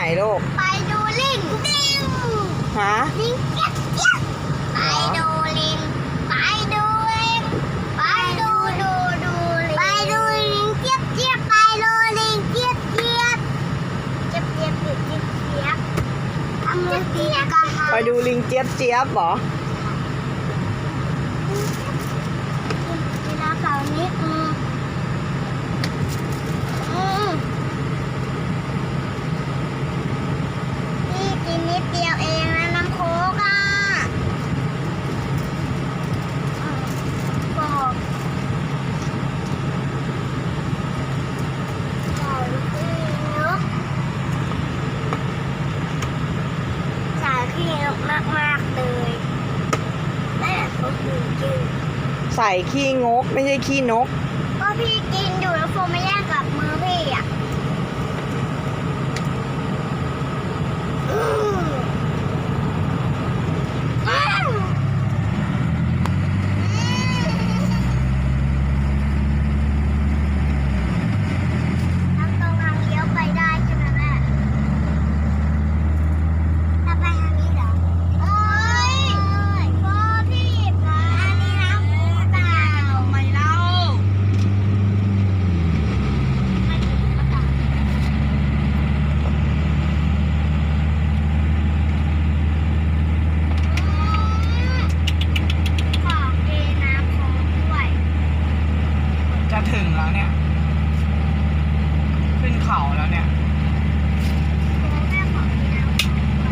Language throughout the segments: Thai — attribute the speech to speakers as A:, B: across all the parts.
A: ลูก
B: ไปดูลิง
A: ฮะ
B: ลิงเจี๊ยบเจี๊ยบไปดูลิงไปดูลิงไปดูลิงไปดูลิงเจี๊ยบเจี๊ยบไปดูลิงเจี๊ยบเจี๊ยบเจี๊ยบเจี๊ยบเจี๊ยบเจี๊ยบทำมือตีกัน
A: ไปดูลิงเจี๊ยบเจี๊ยบเหรอ
B: เวลาเสาร์นี้นี่กินนิดเดียวเองนะน้ำโค้กอ่ะบอกใส่ขี้นกใส่ขี้นกมากๆเลยแม่เขาคือจืด
A: ใส่ขี้งกไม่ใช่ขี้นก
B: ก็พี่กินอยู่แล้วโฟไม่แย่งกับมือพี่อ่ะทางตรงทางเลี้ยวไปได้ใช่ไหมแม่ถ้าไปทางนี้เหรอโอ้ยพ่อพี่หยิบมาอันนี้นะเปล่าไม่เล่าไม่ถึงก็ตัดขอเทน้ำโค้กด้วย
A: จะถึงแล้วเนี่ยขึ้นเขาแล้วเนี่ย
B: โค้กแม่ขอเทน้ำโค้กด้วย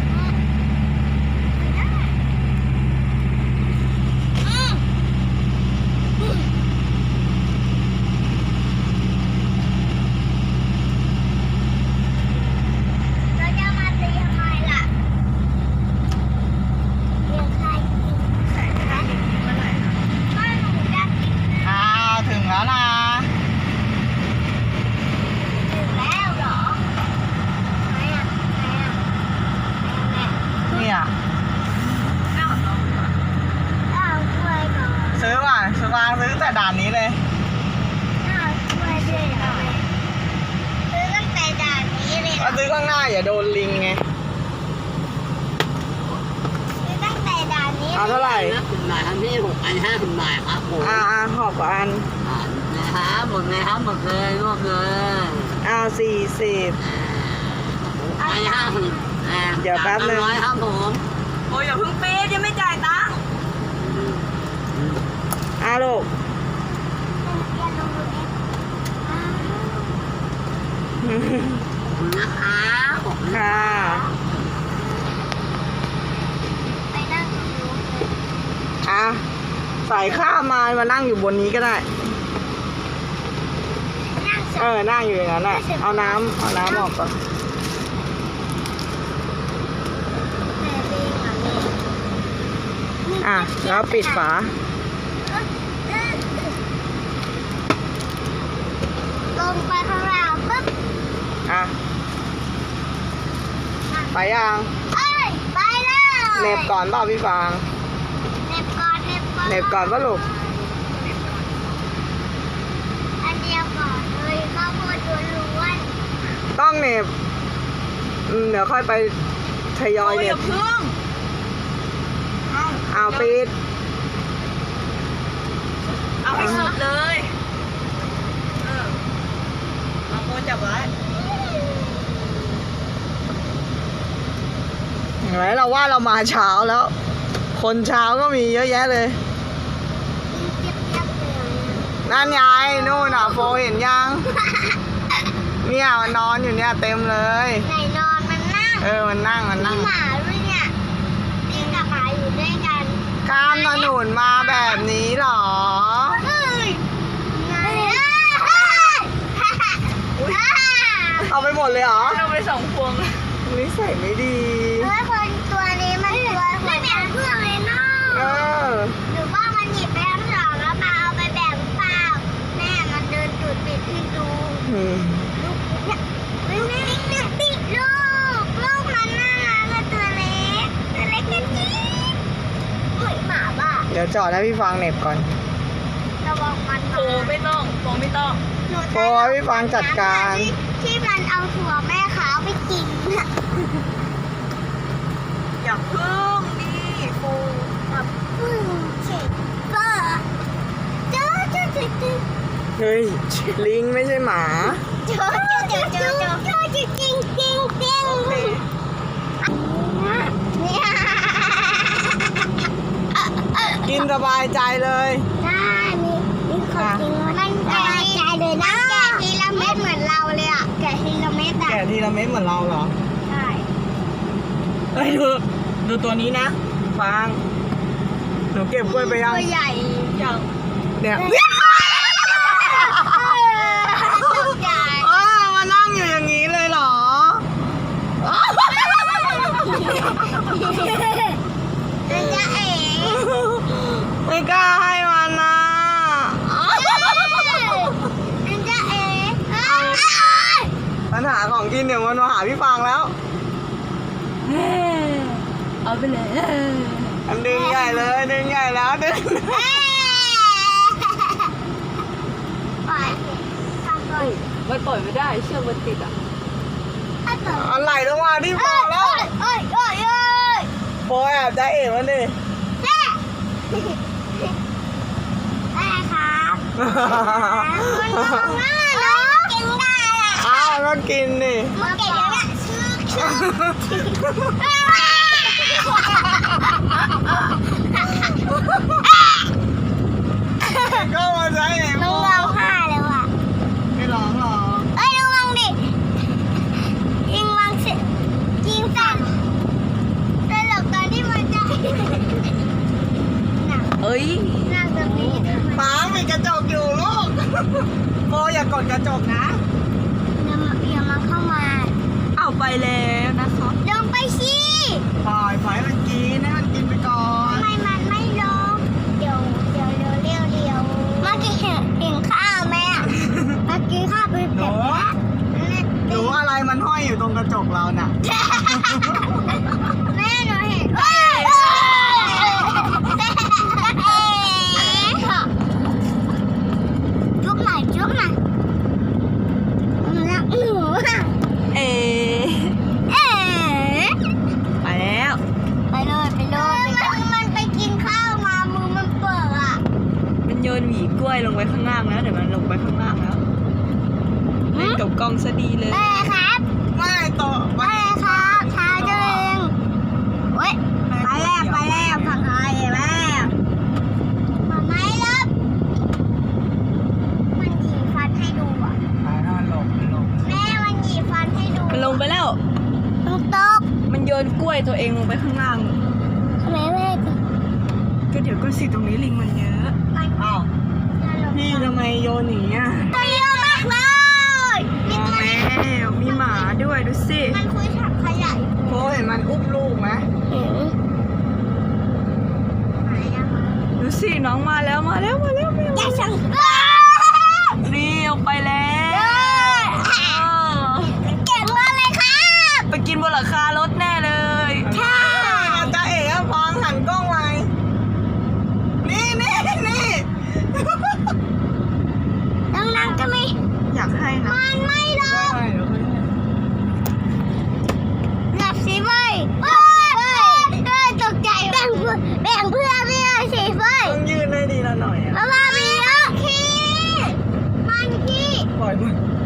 B: ไม่ได้เราจะมาตีทำไมล่ะเรียกใครกินใส่ใครเมื่อไหร่นะก็หนูจะกินนะ
A: อ้าวถึงแล้วนะ
B: ถึงแล้วเหรอไหนอ่ะไหนอ่ะแม่
A: เนี่ย
B: เอากล้วยก่อน
A: ซื้อว่ะซื้อแต่ด่านนี้เลย
B: เอากล้วยด้วยเหรอแม่ซื้อตั้งแต่ด่านนี้เลยเหร
A: ก็
B: อ
A: ซื้อข้างหน้าอย่าโดนลิงไง
B: ซื้อตั้งแต่ด่านนี้
A: เอาเท่าไหร่
C: 50 บาทครับพี่6 อัน 50 บาทครับผม
A: หอบกว่าอัน
C: นะครับหมดเลยครับหมดเลยรวบเลย
A: 40
C: อัน50
A: เดี๋ยวแป๊บนึง
C: ร้อยครับผม
D: โอ้ยอย่าเพิ่งปี๊ดยังไม่จ่ายตังค์
A: ลูก
B: อย่าลงดูเองอ้าว
C: ขอบคุณนะครับผม
A: ค่ะ
B: ไปนั่งตรงนู้นเลย
A: ใส่ข้ามมานั่งอยู่บนนี้ก็ได้
B: นั่งเสร็จ
A: นั่งอยู่อย่างนั้นแหละเอาน้ำออกก่อน
B: แม่เองอ่ะแม่
A: แล้วปิดฝา
B: ลงไปข้างล่างปุ๊บ
A: ไปยัง
B: เอ้ยไปเลย
A: เหน็บก่อนเปล่าพี่ฟาง
B: เหน็บก่อน
A: เหน็บก่อนป่ะลูก
B: อันเดียวก่อนเลยข้าวโพดล้วน
A: ต้องเหน็บเดี๋ยวค่อยไปทยอย
D: โอ้ย
A: เห
D: อ
A: น็
D: ย่า
A: บ
D: เพิ่ง
A: ปิด
D: เอาให้สุดเลยเอาโมจับไว้
A: เห็นไหมเราว่าเรามาเช้าแล้ว คนเช้าก็มีเยอะแยะเลย
B: ๆเจี๊ยบๆเลย
A: นั่นไงนู่นโฟเห็นยัง เนี่ยมันนอนอยู่เนี่ยเต็มเลย
B: ไหนนอนมันนั่ง
A: มันนั่ง
B: มีหมาด้วยเนี่ยลิงกับหมาอยู่ด้วยกัน
A: ข้ามถนนมาแบบนี้เหรอ
B: เฮ้ยไง
A: เอาไปหมดเลยเหรอ
D: เอาไป2 พวง
A: นิสัยไม่ดี
B: เฮ้ยคนตัวนี้มันตัวไม่แบ่งเพื่อนเลยเนาะหรือว่ามันหยิบไปทั้งสองแล้วมาเอาไปแบ่งเปล่าแม่มันเดินจุดปิดให้ดู ลูกเนี่ยติดลูกมันน่ารักตัวเล็กกันจี๊ดเฮ้ยหมาบ้า
A: เดี๋ยวจอดให้พี่ฟางเหน็บก่อน
B: ระวังมัน
D: โอ้ไม่ต้องโอ้ไม่ต้อง
B: หนู
A: โอ้ยพี่ฟางจัดการ
B: ที่มันเอาถั่วแม่ขาวไปกิน
A: ฮ้ย ลิงไม่ใช่หมา
B: โจจริงจริงจริงเนี่ย
A: กินสบายใจเลย
B: ได้มีของจริงมันแกะใจเลยนะแกะทีละเม็ดเหมือนเราเลยอ่ะแกะทีละเม็ดอ่ะ
A: แกะทีละเม็ดเหมือนเราเหรอ
B: ใช่
A: เอ้ยดูตัวนี้นะฟางหนูเก็บกล้วยไปยัง
B: ตัวใหญ่
D: อย่าง
A: เนี่ย
B: ตัวใหญ่
A: อ้าวมานั่งอยู่อย่างนี้เลยเหรอ
B: มันจะเอ๋
A: ไม่กล้าให้มันนะ
B: มันจะเอ๋
A: ปัญหาของกินเดี๋ยวมันมาหาพี่ฟางแล้ว
D: เอาไปเลย
A: อันดึงใหญ่เลยดึงใหญ่แล้วดึง
B: ปล่อยทำก่อน
D: มันปล่อยไม่ได้เชือกมันติดอ่ะ
B: ถ้าเกิด
A: อันไหลลงมาที่ฟางแล้ว
B: เอ้ย
A: โบแอบได้เอ๋มันดิ
B: แม่แม่ครับมันงงมากเนาะกินได้อะ
A: อ้าวก็กินดิ
B: มันเก่งแล้วเนี่ยชื่อ
A: ก็มาใช้เอ๋
B: น้องร้องไห้เลยว่ะ
A: ไม่ร้องหรอ
B: เอ้ยระวังดิยิงวังสิยิงสั่นแต่หลบตอนที่มันจะหนัก
D: เอ้ย
B: หนักตรงนี้ทำไม
A: ฟางมีกระจกอยู่ลูกโบอย่ากดกระจกนะ
B: อย่ามาเข้ามา
D: เอาไปแล้วนะครับ
B: ลงไปสิ
A: ปล่อยให้มันกินไปก่อน
B: ทำไมมันไม่ลงเดี๋ยวเมื่อกี้เห็นข้าวไหมอ่ะเมื่อกี้ข้าวไป
A: หนูหนูอะไรมันห้อยอยู่ตรงกระจกเราน่ะ
B: แม่หนูเห็นจุ๊บหน่อยหนูรักหนูอ่ะ
D: เอ๋
B: เอ๊ะ
D: ไปแล้ว
B: ไปเลยมันไปกินข้าวมามือมันเปิดอ่ะ
D: มันโยนหวีกล้วยลงไปข้างล่างแล้วเดี๋ยวมันลงไปข้างล่างแล้วเล่นกับกล้องซะดีเลย
B: แม่ครับ
A: ไม่ต่อ
B: แม่ครับทายตัวเองเว้ยไปแล้วผักไทยแล้วมาไหมล่ะมันหยีฟันให้ดูอ่ะ
A: ไปนอนหลบ
B: แม่มันหยีฟันให้ดู
D: มันลงไปแล้ว
B: มันตก
D: มันโยนกล้วยตัวเองลงไปข้างล่าง
B: ทำไมแม่ถึง
D: ก็เดี๋ยวก็สิตรงนี้ลิงมันเยอะ
A: อ้าวพี่ทำไมโยนหนีอ่ะ
B: ตัวเยอะมากเลย
D: มองแล้วมีหมาด้วยดูสิ
B: มันคุยถังขยะอยู่
A: โบเห็นมันอุ้มลูกไหม
B: เห็นหายยัง
D: ดูสิน้องมาแล้วมาแล้ว
B: อย่าสั่ง
D: นี่ออกไปแล้วเออ
B: เก่งมากเลยครับ
D: ไปกินบนหลังคารถแน่เลย
B: ค่ะ
A: จ้าเอ๋ฟางหันกล้องไว้นี่
B: ดังๆก็ไม่
D: อยากให้นะ
B: มันไม่ลง
A: ใช่เดี๋ยวค่อยให้
B: หลับสิเว้ยตกใจแบ่งเพื่อนไม่ได้สิเว้ย
A: ต้องยืนให้ดีละหน่อยอ่ะ
B: มามามีเยอะขี้มันขี้
A: ปล่อยมัน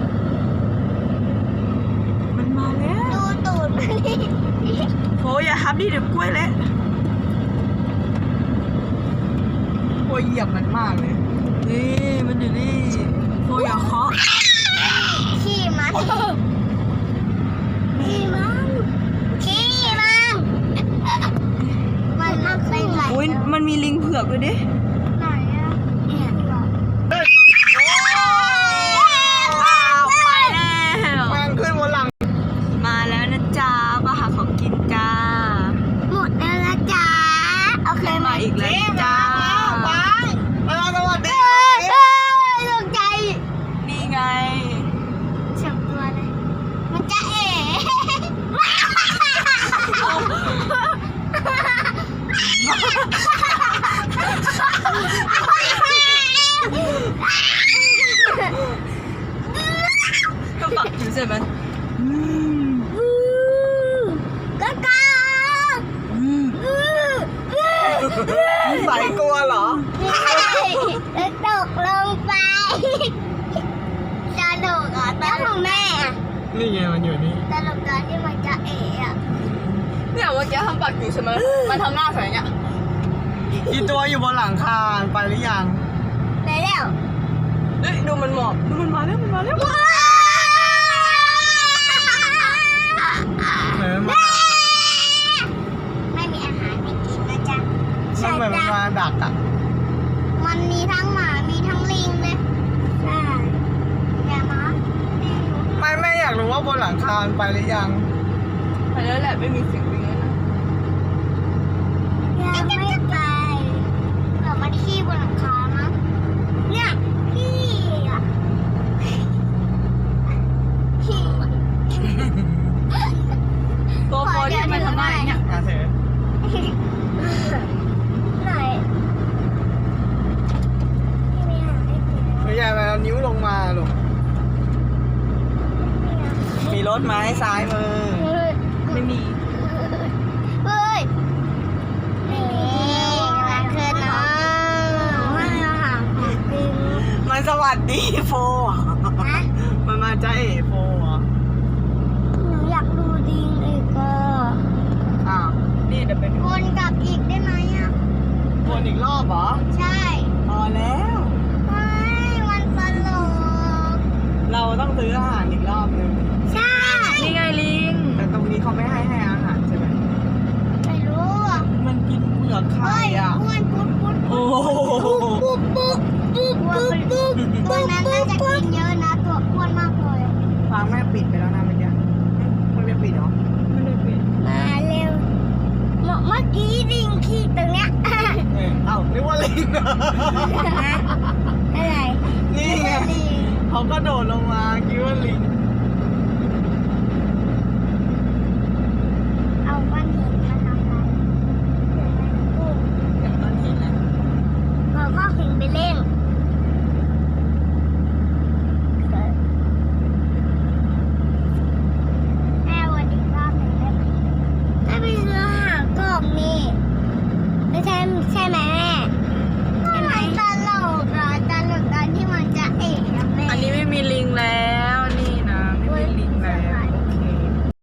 D: มันมาแล้ว
B: ดูตูดมันนี่
D: โหอย่าทับดิเดี๋ยวกล้วยเละ
A: โบเหยียบมันมากเลย
D: นี่มันอยู่นี่โหอย่าเคาะ
B: ขี้มันมันมักเป็นไหน
D: อุ้ยมันมีลิงเผือกด้วยดิ
B: ไหนอะเห็นหรอ
D: อ้าวไปแล้ว
A: แมงขึ้นบนหลัง
D: มาแล้วนะจ๊ะมาหาของกินจ้า
B: หมดแล้วนะจ๊ะโอเคไหม
D: มาอีกแล้วจ้า
A: ฟางสวัสดี
B: ตกใจ
D: นี่ไง
B: สองตัวเลย
D: มื่อกี้ทำปากอยู่ใช่ไหมมันทำหน้าใส่เงี้ย
A: กี่ตัวอยู่บนหลังคาไปหรือยัง
B: ไปแล้ว
D: เฮ้ยดูมันหมอบดูมันมาแล้วมันมาแล้ว
A: เหมือนมัน
B: ไม่มีอาหารให้กินนะจ๊ะ
A: มันเหมือนมันมาดักอ่ะ
B: มันมีทั้งหมามีทั้งลิงเลยใช่อย่ามาลิง
A: ไม่อยากรู้ว่าบนหลังคาไปหรือยัง
D: ไปแล้วแหละไม่มีเสียงวิ่งแล้วนะ
B: ยังไม่ไปเผื่อมันขี้บนหลังคามั้งเนี่ยขี้อ่ะขี้
D: ตัวโฟที่มันทำหน้าอย่างเงี้ย
A: มาเถอะ
B: ไหนไม่มีอาหารให้กิน
A: ไม่ใช่ไปเอานิ้วลงมาลูกมีรถไหมซ้ายมือ
D: ไม่มี
B: เฮ้ยนี่กำลังขึ้นเนาะไม่เอาอาหารของกิน
A: มันสวัสดีโฟอ่ะ
B: นะ
A: มันมาจ้าเอ๋โฟอ่ะ
B: หนูอยากดูดิงอีกก็
A: อ้าว
D: นี่เดี๋ยวไปดู
B: วนกลับอีกได้ไหมอ่ะ
A: วนอีกรอบเหรอ
B: ใช่
A: พอแล้ว
B: ไม่มันตลก
A: เราต้องซื้ออาหารอีกรอบนึง
B: ใช่
D: นี่ไงลิง
A: แต่ตรงนี้เขาไม่ให้อาหารใช่ไหม
B: ไม่รู้อ่ะ
A: มันกินเปลือกไข่
B: เฮ้ย
A: อ่ะ
B: อ้วนปุ๊บปุ๊บ
A: โอ้โห
B: ปุ๊บปุ๊บปุ๊บปุ๊บปุ๊บตัวนั้นน่าจะกินเยอะนะตัวอ้วนมากเลย
A: ฟังแม่ปิดไปแล้วนะเมื่อกี้มันไม่ปิดเหรอ
D: ไม่ได้ปิด
B: มาเร็วเมื่อกี้ดิงขี้ตรงเนี้ย
A: เอ้านึกว่าลิงเหรอ
B: อะไร
A: นี่ไงเขาก็โดดลงมาคิดว่าลิง